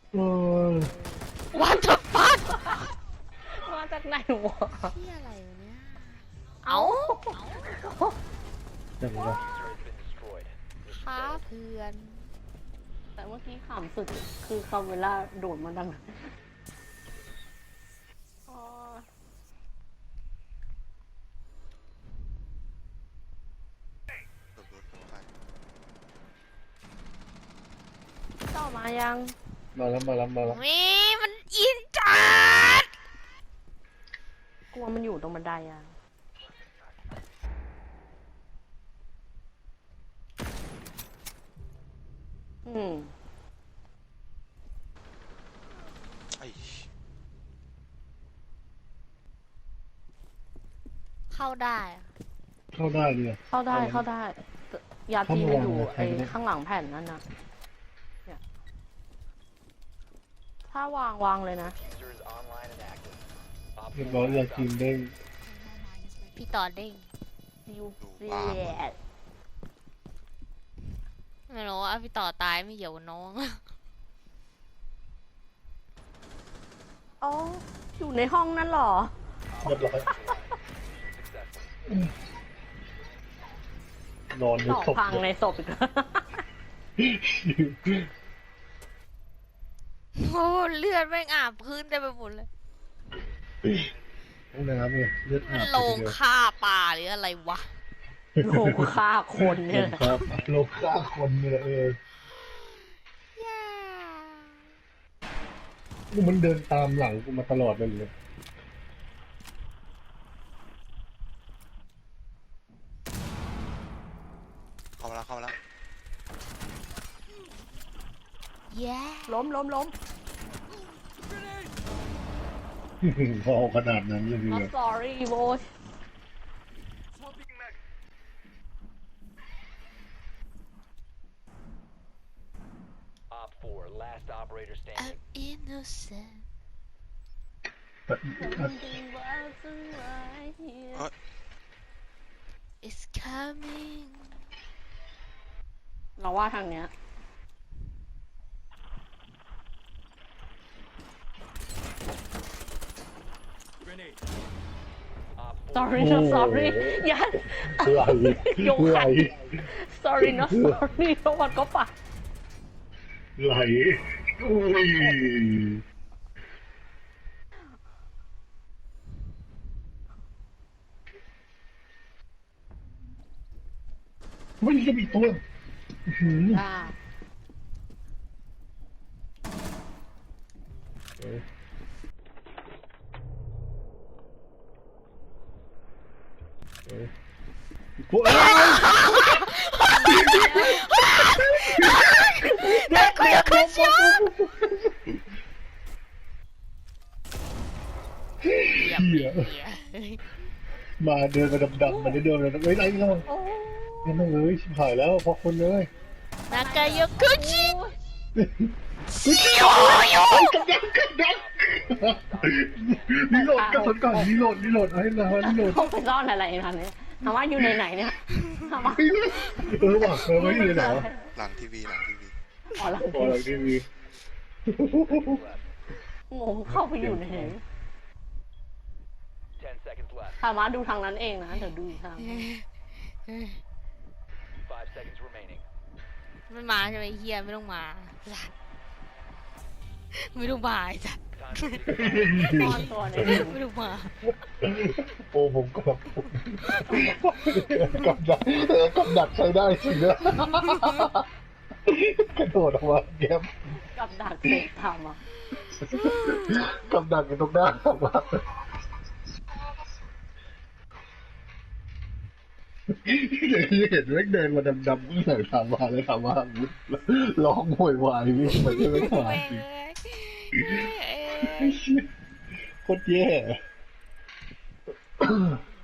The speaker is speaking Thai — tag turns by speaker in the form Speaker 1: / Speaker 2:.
Speaker 1: เออ
Speaker 2: What the fuck
Speaker 3: มาจากไหนวะ
Speaker 2: ที่อะไรวะเนี่ย
Speaker 3: เอ้า
Speaker 1: เดี๋ยวก่อน
Speaker 2: ค้าเพื่อน
Speaker 3: แต่เมื่อกี้ขำสุดคือคาเวล่าโดดมาดังอ๋อต่อมายัง
Speaker 1: มาแล้ว
Speaker 2: มีมันอินจัด
Speaker 3: กลัวมันอยู่ตรงบันไดอ่ะอืม
Speaker 4: ไอ้
Speaker 2: เข้าได้อะ
Speaker 1: เข้าได้เลย
Speaker 3: เข้าได้เข้าได้ยาจีมันอยู่
Speaker 1: เข้ามา
Speaker 3: ไอ้ข้างหลังแผ่นนั่นนะเนี่ยถ้าวางเลยนะ
Speaker 1: เรียบร้อยยาจีนเด้ง
Speaker 2: พี่ต่อเด้ง
Speaker 3: ยูเซียด
Speaker 2: ไม่รู้ว่าพี่ต่อตายไม่เกี่ยวกับน้อง
Speaker 3: อ๋ออยู่ในห้องนั่นเหรอ
Speaker 1: เรียบร้อยนอนใน
Speaker 3: ต่อ
Speaker 1: ศพ
Speaker 3: พังในศพอีกแล้ว
Speaker 2: โอ้เลือดแม่งอาบพื้นได้ไปหมดเลย
Speaker 1: ห้องน้ำเนี่ยเลือด
Speaker 2: มั
Speaker 1: อาน บ
Speaker 2: โลงฆ่าปลาหรืออะไรวะ
Speaker 3: โลงฆ่าคน
Speaker 1: โล
Speaker 3: เนี่ย
Speaker 1: งครับโลงฆ่าคนเนี่ยมันเดินตามหลังกูมาตลอดเลย
Speaker 4: เข้ามาแล้ว
Speaker 2: แย่
Speaker 3: ล้ม
Speaker 1: พอขนาดนั้นเลย
Speaker 3: not
Speaker 1: เนี่ย
Speaker 3: sorry โว้ย
Speaker 5: Op 4, last operator
Speaker 2: I'm
Speaker 5: standing.
Speaker 2: innocent
Speaker 1: แต่
Speaker 2: it's coming
Speaker 3: เราว่าทางเนี้ย
Speaker 5: Op 4,
Speaker 3: sorry not sorry อย่า
Speaker 1: ไหล
Speaker 3: ยก
Speaker 1: ไหล
Speaker 3: ขัน sorry not sorry แล้วมันก็ปะ
Speaker 1: ไหลอุ้ยไม่ใช่มีตัวอื้อหือ
Speaker 3: อ่า
Speaker 1: พวกอะไร
Speaker 2: เยี่ยม
Speaker 1: เหี้ย
Speaker 2: เหี้ย
Speaker 1: มาเดินมาดำๆมาได้เดินเลยนะเฮ้ยไรเนาะ
Speaker 3: โอ้
Speaker 1: ยังไม่เลยชิบหายแล้วเพราะคนเลย
Speaker 2: นากายกคุจิ
Speaker 1: นี่โหลดกระสุนก่อนนี่โหลดให้นะนี่โหลด
Speaker 3: เขาไปซ่อนอะไรทันเนี่ยถามว่าอยู่ในไหนเนี่ยถามว่า
Speaker 1: ว่ะไม่อยู่ไหนวะ
Speaker 4: หลังทีวี
Speaker 3: อ๋อหลัง
Speaker 1: พอหลังทีวี
Speaker 3: งงเข้าไปอยู่ในไหน
Speaker 5: 10 seconds left.
Speaker 3: ถามว่าดูทางนั้นเองนะเดี๋ยวดูอีกทาง
Speaker 5: 5 seconds remaining.
Speaker 2: ไม่มาใช่ไหมเฮียไม่ต้องมาสัตว์ไม่ต้องมาไอ้สัตว์
Speaker 5: Time to
Speaker 3: ซ่อนตัวในนี้
Speaker 2: ไม่ต้องมา
Speaker 1: โอ้ผมก็แบบกับดักใช้ได้จริงนะกระโดดออกมาแก้ม
Speaker 3: กับดักเด็กทำอ่ะ
Speaker 1: กับดักอยู่ตรงหน้าออกมาเดี๋ยวที่เห็นแม่งเดินมาดำๆก็ใส่ถามมาเลยถามว่าร้องโวยวายวิ่งมาจะไม่ขาดจริงโคตรแย่